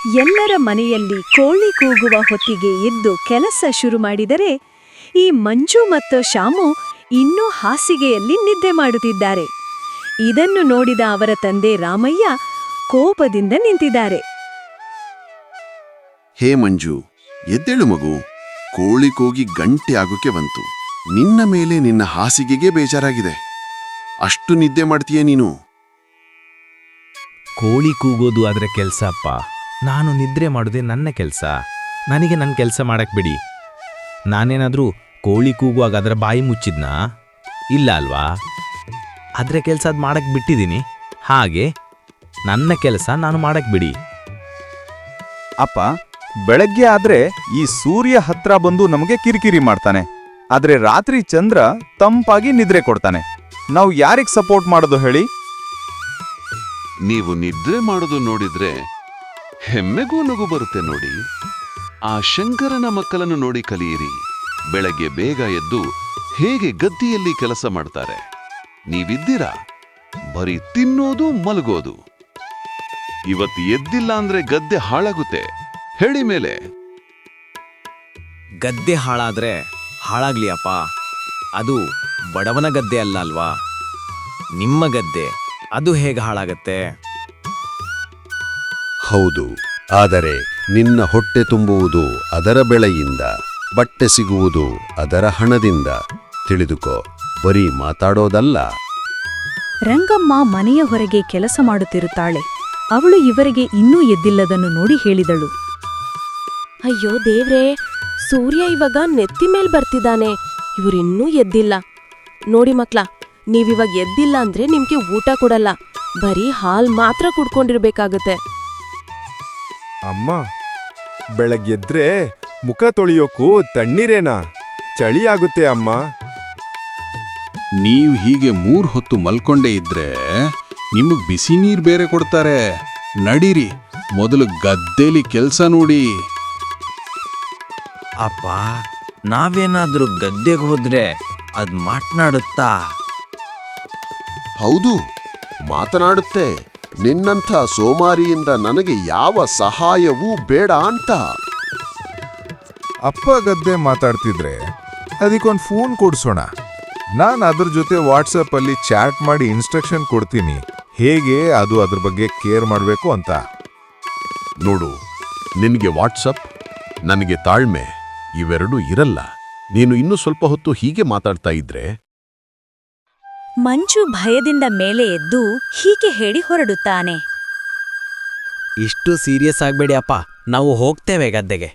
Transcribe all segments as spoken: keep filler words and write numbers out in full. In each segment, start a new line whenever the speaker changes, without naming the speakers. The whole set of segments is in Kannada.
ಎಲ್ಲರ ಮನೆಯಲ್ಲಿ ಕೋಳಿ ಕೂಗುವ ಹೊತ್ತಿಗೆ ಎದ್ದು ಕೆಲಸ ಶುರು ಮಾಡಿದರೆ ಈ ಮಂಜು ಮತ್ತು ಶಾಮು ಇನ್ನೂ ಹಾಸಿಗೆಯಲ್ಲಿ ನಿದ್ದೆ ಮಾಡುತ್ತಿದ್ದಾರೆ. ಇದನ್ನು ನೋಡಿದ ಅವರ ತಂದೆ ರಾಮಯ್ಯ ಕೋಪದಿಂದ ನಿಂತಿದ್ದಾರೆ.
ಹೇ ಮಂಜು, ಎದ್ದೇಳು ಮಗು. ಕೋಳಿ ಕೂಗಿ ಗಂಟೆ ಆಗೋಕೆ ಬಂತು. ನಿನ್ನ ಮೇಲೆ ನಿನ್ನ ಹಾಸಿಗೆಗೆ ಬೇಜಾರಾಗಿದೆ. ಅಷ್ಟು ನಿದ್ದೆ ಮಾಡ್ತೀಯ ನೀನು?
ಕೋಳಿ ಕೂಗೋದು ಆದ್ರೆ ಕೆಲ್ಸ ಅಪ್ಪ. ನಾನು ನಿದ್ರೆ ಮಾಡೋದೇ ನನ್ನ ಕೆಲಸ. ನನಗೆ ನನ್ನ ಕೆಲಸ ಮಾಡಕ್ ಬಿಡಿ. ನಾನೇನಾದ್ರೂ ಕೋಳಿ ಕೂಗುವಾಗ ಅದರ ಬಾಯಿ ಮುಚ್ಚಿದ್ನಾ? ಇಲ್ಲ ಅಲ್ವಾ? ಅದ್ರ ಕೆಲಸ ಅದು ಮಾಡಕ್ ಬಿಟ್ಟಿದ್ದೀನಿ. ಹಾಗೆ ನನ್ನ ಕೆಲಸ ನಾನು ಮಾಡಕ್ ಬಿಡಿ.
ಅಪ್ಪ, ಬೆಳಗ್ಗೆ ಆದ್ರೆ ಈ ಸೂರ್ಯ ಹತ್ರ ಬಂದು ನಮಗೆ ಕಿರಿಕಿರಿ ಮಾಡ್ತಾನೆ. ಆದ್ರೆ ರಾತ್ರಿ ಚಂದ್ರ ತಂಪಾಗಿ ನಿದ್ರೆ ಕೊಡ್ತಾನೆ. ನಾವು ಯಾರಿಗ್ ಸಪೋರ್ಟ್ ಮಾಡೋದು ಹೇಳಿ?
ನೀವು ನಿದ್ರೆ ಮಾಡೋದು ನೋಡಿದ್ರೆ ಹೆಮ್ಮೆಗೂ ನಗು ಬರುತ್ತೆ ನೋಡಿ. ಆ ಶಂಕರನ ಮಕ್ಕಳನ್ನು ನೋಡಿ ಕಲಿಯಿರಿ. ಬೆಳಗ್ಗೆ ಬೇಗ ಎದ್ದು ಹೇಗೆ ಗದ್ದೆಯಲ್ಲಿ ಕೆಲಸ ಮಾಡ್ತಾರೆ. ನೀವಿದ್ದೀರಾ ಬರೀ ತಿನ್ನೋದು ಮಲಗೋದು. ಇವತ್ತು ಎದ್ದಿಲ್ಲ ಅಂದ್ರೆ ಗದ್ದೆ ಹಾಳಾಗುತ್ತೆ. ಹೇಳಿ ಮೇಲೆ.
ಗದ್ದೆ ಹಾಳಾದ್ರೆ ಹಾಳಾಗ್ಲಿ ಅಪ್ಪ. ಅದು ಬಡವನ ಗದ್ದೆ ಅಲ್ಲ ಅಲ್ವಾ? ನಿಮ್ಮ ಗದ್ದೆ, ಅದು ಹೇಗೆ ಹಾಳಾಗತ್ತೆ?
ಹೌದು, ಆದರೆ ನಿನ್ನ ಹೊಟ್ಟೆ ತುಂಬುವುದು ಅದರ ಬೆಳೆಯಿಂದ, ಬಟ್ಟೆ ಸಿಗುವುದು ಅದರ ಹಣದಿಂದ. ತಿಳಿದುಕೋ, ಬರೀ ಮಾತಾಡೋದಲ್ಲ.
ರಂಗಮ್ಮ ಮನೆಯ ಹೊರಗೆ ಕೆಲಸ ಮಾಡುತ್ತಿರುತ್ತಾಳೆ. ಅವಳು ಇವರಿಗೆ ಇನ್ನೂ ಎದ್ದಿಲ್ಲದನ್ನು ನೋಡಿ ಹೇಳಿದಳು.
ಅಯ್ಯೋ ದೇವ್ರೇ, ಸೂರ್ಯ ಇವಾಗ ನೆತ್ತಿ ಮೇಲ್ ಬರ್ತಿದ್ದಾನೆ. ಇವರಿನ್ನೂ ಎದ್ದಿಲ್ಲ. ನೋಡಿ ಮಕ್ಳ, ನೀವಿವಾಗ ಎದ್ದಿಲ್ಲ ಅಂದ್ರೆ ನಿಮ್ಗೆ ಊಟ ಕೊಡಲ್ಲ. ಬರೀ ಹಾಲ್ ಮಾತ್ರ ಕುಡ್ಕೊಂಡಿರ್ಬೇಕಾಗತ್ತೆ.
ಅಮ್ಮ, ಬೆಳಗ್ಗೆದ್ರೆ ಮುಖ ತೊಳೆಯೋಕ್ಕೂ ತಣ್ಣೀರೇನಾ? ಚಳಿ ಆಗುತ್ತೆ ಅಮ್ಮ.
ನೀವು ಹೀಗೆ ಮೂರ್ ಹೊತ್ತು ಮಲ್ಕೊಂಡೇ ಇದ್ರೆ ನಿಮಗ್ ಬಿಸಿ ನೀರ್ ಬೇರೆ ಕೊಡ್ತಾರೆ. ನಡೀರಿ, ಮೊದಲು ಗದ್ದೇಲಿ ಕೆಲ್ಸ ನೋಡಿ.
ಅಪ್ಪ, ನಾವೇನಾದ್ರೂ ಗದ್ದೆಗೆ ಹೋದ್ರೆ ಅದ್ ಮಾತನಾಡುತ್ತಾ?
ಹೌದು, ಮಾತನಾಡುತ್ತೆ. ನಿನ್ನಂಥ ಸೋಮಾರಿಯಿಂದ ನನಗೆ ಯಾವ ಸಹಾಯವೂ ಬೇಡ ಅಂತ.
ಅಪ್ಪ ಗದ್ದೆ ಮಾತಾಡ್ತಿದ್ರೆ ಅದಕ್ಕೊಂದು ಫೋನ್ ಕೊಡ್ಸೋಣ. ನಾನು ಅದ್ರ ಜೊತೆ ವಾಟ್ಸಪ್ ಅಲ್ಲಿ ಚಾಟ್ ಮಾಡಿ ಇನ್ಸ್ಟ್ರಕ್ಷನ್ ಕೊಡ್ತೀನಿ, ಹೇಗೆ ಅದು ಅದ್ರ ಬಗ್ಗೆ ಕೇರ್ ಮಾಡಬೇಕು ಅಂತ.
ನೋಡು, ನಿನಗೆ ವಾಟ್ಸಪ್, ನನಗೆ ತಾಳ್ಮೆ ಇವೆರಡೂ ಇರಲ್ಲ. ನೀನು ಇನ್ನೂ ಸ್ವಲ್ಪ ಹೊತ್ತು ಹೀಗೆ ಮಾತಾಡ್ತಾ ಇದ್ರೆ.
ಮಂಜು ಭಯದಿಂದ ಮೇಲೆ ಎದ್ದು ಹೀಗೆ ಹೇಳಿ ಹೊರಡುತ್ತಾನೆ.
ಇಷ್ಟು ಸೀರಿಯಸ್ ಆಗ್ಬೇಡಿ ಅಪ್ಪ, ನಾವು ಹೋಗ್ತೇವೆ ಗದ್ದೆಗೆ.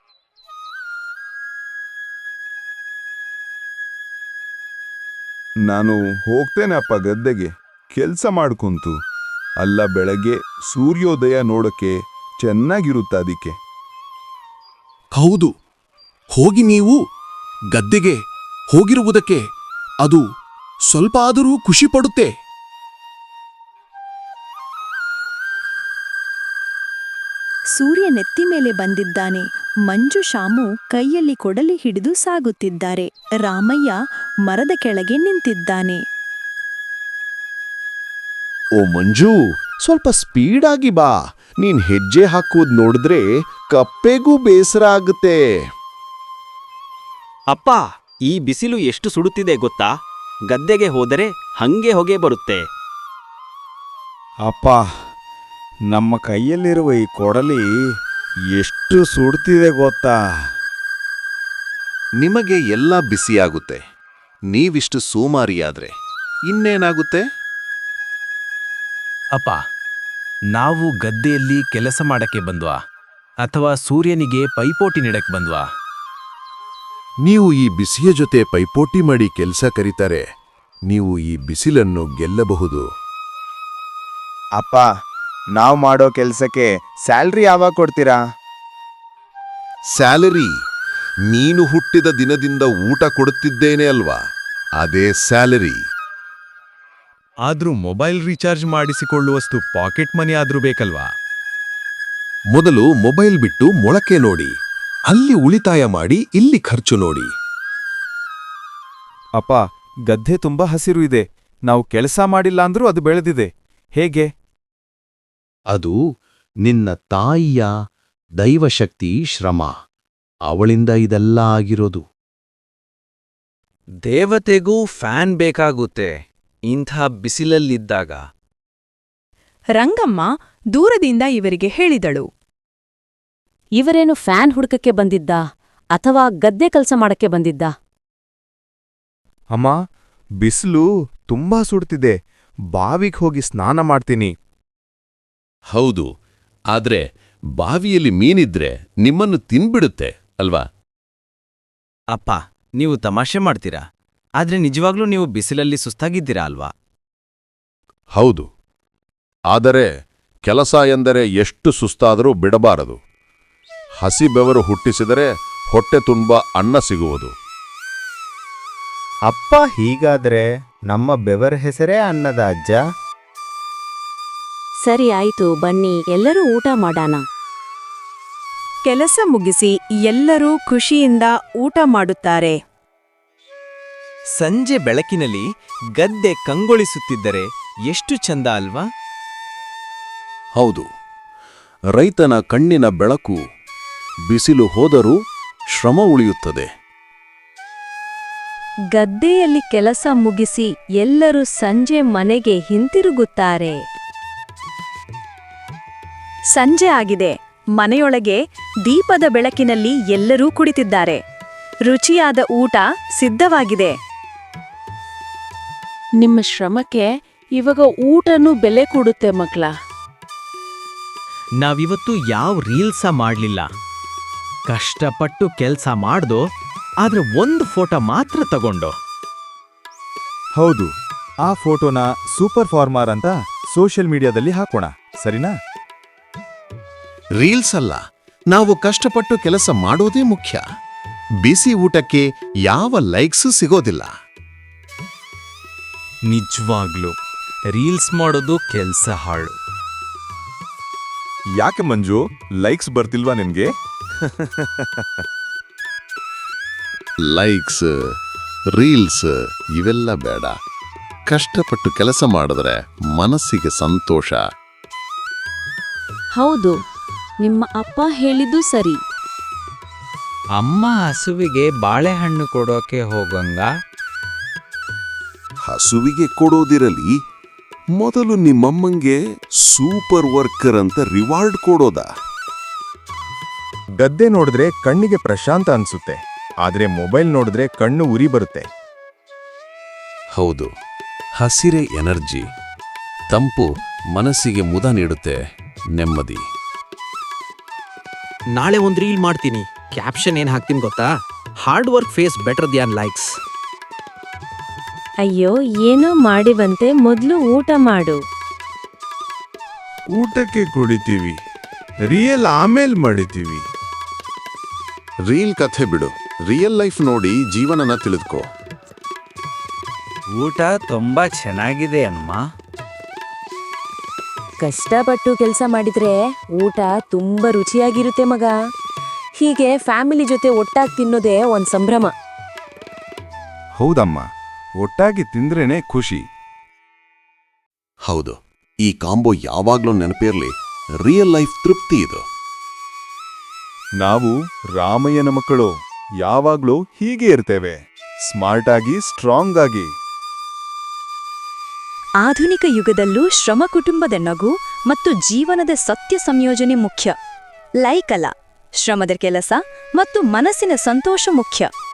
ನಾನು ಹೋಗ್ತೇನೆ ಅಪ್ಪ ಗದ್ದೆಗೆ, ಕೆಲ್ಸ ಮಾಡ್ಕುಂತು. ಅಲ್ಲ, ಬೆಳಗ್ಗೆ ಸೂರ್ಯೋದಯ ನೋಡಕ್ಕೆ ಚೆನ್ನಾಗಿರುತ್ತೆ ಅದಕ್ಕೆ.
ಹೌದು, ಹೋಗಿ ನೀವು ಗದ್ದೆಗೆ ಹೋಗಿರುವುದಕ್ಕೆ ಅದು ಸ್ವಲ್ಪ ಆದರೂ ಖುಷಿ ಪಡುತ್ತೆ.
ಸೂರ್ಯ ನೆತ್ತಿ ಮೇಲೆ ಬಂದಿದ್ದಾನೆ. ಮಂಜು ಶಾಮು ಕೈಯಲ್ಲಿ ಕೊಡಲಿ ಹಿಡಿದು ಸಾಗುತ್ತಿದ್ದಾರೆ. ರಾಮಯ್ಯ ಮರದ ಕೆಳಗೆ ನಿಂತಿದ್ದಾನೆ.
ಓ ಮಂಜು, ಸ್ವಲ್ಪ ಸ್ಪೀಡಾಗಿ ಬಾ. ನೀನ್ ಹೆಜ್ಜೆ ಹಾಕುವುದು ನೋಡಿದ್ರೆ ಕಪ್ಪೆಗೂ ಬೇಸರ ಆಗುತ್ತೆ.
ಅಪ್ಪ, ಈ ಬಿಸಿಲು ಎಷ್ಟು ಸುಡುತ್ತಿದೆ ಗೊತ್ತಾ? ಗದ್ದೆಗೆ ಹೋದರೆ ಹಂಗೆ ಹೊಗೆ ಬರುತ್ತೆ.
ಅಪ್ಪ, ನಮ್ಮ ಕೈಯಲ್ಲಿರುವ ಈ ಕೊಡಲಿ ಎಷ್ಟು ಸುಡ್ತಿದೆ ಗೊತ್ತಾ?
ನಿಮಗೆ ಎಲ್ಲ ಬಿಸಿಯಾಗುತ್ತೆ. ನೀವಿಷ್ಟು ಸೋಮಾರಿಯಾದ್ರೆ ಇನ್ನೇನಾಗುತ್ತೆ?
ಅಪ್ಪ, ನಾವು ಗದ್ದೆಯಲ್ಲಿ ಕೆಲಸ ಮಾಡಕ್ಕೆ ಬಂದ್ವಾ ಅಥವಾ ಸೂರ್ಯನಿಗೆ ಪೈಪೋಟಿ ನೀಡಕ್ ಬಂದ್ವಾ?
ನೀವು ಈ ಬಿಸಿಯ ಜೊತೆ ಪೈಪೋಟಿ ಮಾಡಿ ಕೆಲಸ ಕರೀತಾರೆ. ನೀವು ಈ ಬಿಸಿಲನ್ನು ಗೆಲ್ಲಬಹುದು.
ಅಪ್ಪ, ನಾವು ಮಾಡೋ ಕೆಲ್ಸಕ್ಕೆ ಸ್ಯಾಲ್ರಿ ಯಾವಾಗ ಕೊಡ್ತೀರಾ?
ಸ್ಯಾಲರಿ ನೀನು ಹುಟ್ಟಿದ ದಿನದಿಂದ ಊಟ ಕೊಡುತ್ತಿದ್ದೇನೆ ಅಲ್ವಾ, ಅದೇ ಸ್ಯಾಲರಿ.
ಆದ್ರೂ ಮೊಬೈಲ್ ರೀಚಾರ್ಜ್ ಮಾಡಿಸಿಕೊಳ್ಳುವಷ್ಟು ಪಾಕೆಟ್ ಮನಿ ಆದ್ರೂ ಬೇಕಲ್ವಾ?
ಮೊದಲು ಮೊಬೈಲ್ ಬಿಟ್ಟು ಮೊಳಕೆ ನೋಡಿ. ಅಲ್ಲಿ ಉಳಿತಾಯ ಮಾಡಿ, ಇಲ್ಲಿ ಖರ್ಚು ನೋಡಿ.
ಅಪ್ಪ, ಗದ್ದೆ ತುಂಬಾ ಹಸಿರು ಇದೆ. ನಾವು ಕೆಲಸ ಮಾಡಿಲ್ಲ ಅಂದ್ರೂ ಅದು ಬೆಳೆದಿದೆ. ಹೇಗೆ?
ಅದು ನಿನ್ನ ತಾಯಿಯ ದೈವಶಕ್ತಿ ಶ್ರಮ. ಅವಳಿಂದ ಇದೆಲ್ಲ ಆಗಿರೋದು.
ದೇವತೆಗೂ ಫ್ಯಾನ್ ಬೇಕಾಗುತ್ತೆ ಇಂಥ ಬಿಸಿಲಲ್ಲಿದ್ದಾಗ.
ರಂಗಮ್ಮ ದೂರದಿಂದ ಇವರಿಗೆ ಹೇಳಿದಳು.
ಇವರೇನು ಫ್ಯಾನ್ ಹುಡುಕಕ್ಕೆ ಬಂದಿದ್ದ ಅಥವಾ ಗದ್ದೆ ಕೆಲಸ ಮಾಡಕ್ಕೆ ಬಂದಿದ್ದ?
ಅಮ್ಮ, ಬಿಸಿಲು ತುಂಬಾ ಸುಡ್ತಿದೆ. ಬಾವಿಗೆ ಹೋಗಿ ಸ್ನಾನ ಮಾಡ್ತೀನಿ.
ಹೌದು, ಆದ್ರೆ ಬಾವಿಯಲ್ಲಿ ಮೀನಿದ್ರೆ ನಿಮ್ಮನ್ನು ತಿನ್ಬಿಡುತ್ತೆ ಅಲ್ವಾ?
ಅಪ್ಪ, ನೀವು ತಮಾಷೆ ಮಾಡ್ತೀರಾ, ಆದ್ರೆ ನಿಜವಾಗ್ಲೂ ನೀವು ಬಿಸಿಲಲ್ಲಿ ಸುಸ್ತಾಗಿದ್ದೀರಾ ಅಲ್ವಾ?
ಹೌದು, ಆದರೆ ಕೆಲಸ ಎಂದರೆ ಎಷ್ಟು ಸುಸ್ತಾದರೂ ಬಿಡಬಾರದು. ಹಸಿ ಬೆವರು ಹುಟ್ಟಿಸಿದರೆ ಹೊಟ್ಟೆ ತುಂಬ ಅನ್ನ ಸಿಗುವುದು.
ಅಪ್ಪ ಹೀಗಾದ್ರೆ ನಮ್ಮ ಬೆವರ ಹೆಸರೇ ಅನ್ನದ ಅಜ್ಜ.
ಸರಿ ಆಯ್ತು, ಬನ್ನಿ ಎಲ್ಲರೂ ಊಟ ಮಾಡೋಣ.
ಕೆಲಸ ಮುಗಿಸಿ ಎಲ್ಲರೂ ಖುಷಿಯಿಂದ ಊಟ ಮಾಡುತ್ತಾರೆ.
ಸಂಜೆ ಬೆಳಕಿನಲ್ಲಿ ಗದ್ದೆ ಕಂಗೊಳಿಸುತ್ತಿದ್ದರೆ ಎಷ್ಟು ಚಂದ ಅಲ್ವಾ?
ಹೌದು, ರೈತನ ಕಣ್ಣಿನ ಬೆಳಕು. ಬಿಸಿಲು ಹೋದರೂ ಶ್ರಮ ಉಳಿಯುತ್ತದೆ.
ಗದ್ದೆಯಲ್ಲಿ ಕೆಲಸ ಮುಗಿಸಿ ಎಲ್ಲರೂ ಸಂಜೆ ಮನೆಗೆ ಹಿಂತಿರುಗುತ್ತಾರೆ. ಸಂಜೆ ಆಗಿದೆ. ಮನೆಯೊಳಗೆ ದೀಪದ ಬೆಳಕಿನಲ್ಲಿ ಎಲ್ಲರೂ ಕುಳಿತಿದ್ದಾರೆ. ರುಚಿಯಾದ ಊಟ ಸಿದ್ಧವಾಗಿದೆ.
ನಿಮ್ಮ ಶ್ರಮಕ್ಕೆ ಇವಾಗ ಊಟನೂ ಬೆಲೆ ಕೊಡುತ್ತೆ ಮಕ್ಳ.
ನಾವಿವತ್ತು ಯಾವ ರೀಲ್ಸ ಮಾಡ್ಲಿಲ್ಲ. ಕಷ್ಟಪಟ್ಟು ಕೆಲ್ಸ ಮಾಡ್ದೋ, ಆದ್ರೆ ಒಂದು ಫೋಟೋ ಮಾತ್ರ ತಗೊಂಡು.
ಹೌದು, ಆ ಫೋಟೋನ ಸೂಪರ್ ಫಾರ್ಮರ್ ಅಂತ ಸೋಷಿಯಲ್ ಮೀಡಿಯಾದಲ್ಲಿ ಹಾಕೋಣ, ಸರಿನಾ?
ರೀಲ್ಸ್ ಅಲ್ಲ, ನಾವು ಕಷ್ಟಪಟ್ಟು ಕೆಲಸ ಮಾಡೋದೇ ಮುಖ್ಯ. ಬಿಸಿ ಊಟಕ್ಕೆ ಯಾವ ಲೈಕ್ಸೂ ಸಿಗೋದಿಲ್ಲ.
ನಿಜವಾಗ್ಲು ರೀಲ್ಸ್ ಮಾಡೋದು ಕೆಲ್ಸ ಹಾಳು.
ಯಾಕೆ ಮಂಜು, ಲೈಕ್ಸ್ ಬರ್ತಿಲ್ವಾ ನಿನ್ಗೆ?
ಲೈಕ್ಸ್, ರೀಲ್ಸ್ ಇವೆಲ್ಲ ಬೇಡ. ಕಷ್ಟಪಟ್ಟು ಕೆಲಸ ಮಾಡಿದ್ರೆ ಮನಸ್ಸಿಗೆ ಸಂತೋಷ.
ಹೌದು, ನಿಮ್ಮ ಅಪ್ಪ ಹೇಳಿದ್ದು ಸರಿ.
ಅಮ್ಮ ಹಸುವಿಗೆ ಬಾಳೆಹಣ್ಣು ಕೊಡೋಕೆ ಹೋಗಂಗ.
ಹಸುವಿಗೆ ಕೊಡೋದಿರಲಿ, ಮೊದಲು ನಿಮ್ಮಮ್ಮಂಗೆ ಸೂಪರ್ ವರ್ಕರ್ ಅಂತ ರಿವಾರ್ಡ್ ಕೊಡೋದ?
ಗದ್ದೆ ನೋಡಿದ್ರೆ ಕಣ್ಣಿಗೆ ಪ್ರಶಾಂತ ಅನ್ಸುತ್ತೆ, ಆದ್ರೆ ಮೊಬೈಲ್ ನೋಡಿದ್ರೆ ಕಣ್ಣು ಉರಿ ಬರುತ್ತೆ.
ಹೌದು, ಹಸಿರೆ ಎನರ್ಜಿ, ತಂಪು ಮನಸ್ಸಿಗೆ ಮುದ ನೀಡುತ್ತೆ, ನೆಮ್ಮದಿ.
ನಾಳೆ ಒಂದು ರೀಲ್ ಮಾಡ್ತೀನಿ. ಕ್ಯಾಪ್ಷನ್ ಏನ್ ಹಾಕ್ತೀನಿ ಗೊತ್ತಾ? Hard work face better than likes.
ಅಯ್ಯೋ, ಏನೋ ಮಾಡಿವಂತೆ, ಮೊದಲು ಊಟ ಮಾಡು.
ಊಟಕ್ಕೆ ಕುಡಿತೀವಿ, ರಿಯಲ್ ಆಮೇಲ್ ಮಾಡಿತೀವಿ.
ರೀಲ್ ಕಥೆ ಬಿಡು, ರಿಯಲ್ ಲೈಫ್ ನೋಡಿ ಜೀವನನ ತಿಳಿದುಕೋ.
ಊಟ ತುಂಬಾ ಚೆನ್ನಾಗಿದೆ ಅಮ್ಮ.
ಕಷ್ಟಪಟ್ಟು ಕೆಲಸ ಮಾಡಿದ್ರೆ ಊಟ ತುಂಬಾ ರುಚಿಯಾಗಿರುತ್ತೆ ಮಗ. ಹೀಗೆ ಫ್ಯಾಮಿಲಿ ಜೊತೆ ಒಟ್ಟಾಗಿ ತಿನ್ನೋದೇ ಒಂದ್ ಸಂಭ್ರಮ.
ಹೌದಮ್ಮ, ಒಟ್ಟಾಗಿ ತಿಂದ್ರೇನೆ ಖುಷಿ.
ಹೌದು, ಈ ಕಾಂಬೋ ಯಾವಾಗ್ಲೂ ನೆನಪಿರ್ಲಿ. ರಿಯಲ್ ಲೈಫ್ ತೃಪ್ತಿ ಇದು.
ನಾವು ರಾಮಯ್ಯನ ಮಕ್ಕಳು, ಯಾವಾಗ್ಲೂ ಹೀಗೆ ಇರ್ತೇವೆ, ಸ್ಮಾರ್ಟ್ ಆಗಿ, ಸ್ಟ್ರಾಂಗ್ ಆಗಿ.
ಆಧುನಿಕ ಯುಗದಲ್ಲೂ ಶ್ರಮ, ಕುಟುಂಬದ ನಗು ಮತ್ತು ಜೀವನದ ಸತ್ಯ ಸಂಯೋಜನೆ ಮುಖ್ಯ. ಲೈಕ್ ಅಲ್ಲ, ಶ್ರಮದ ಕೆಲಸ ಮತ್ತು ಮನಸ್ಸಿನ ಸಂತೋಷ ಮುಖ್ಯ.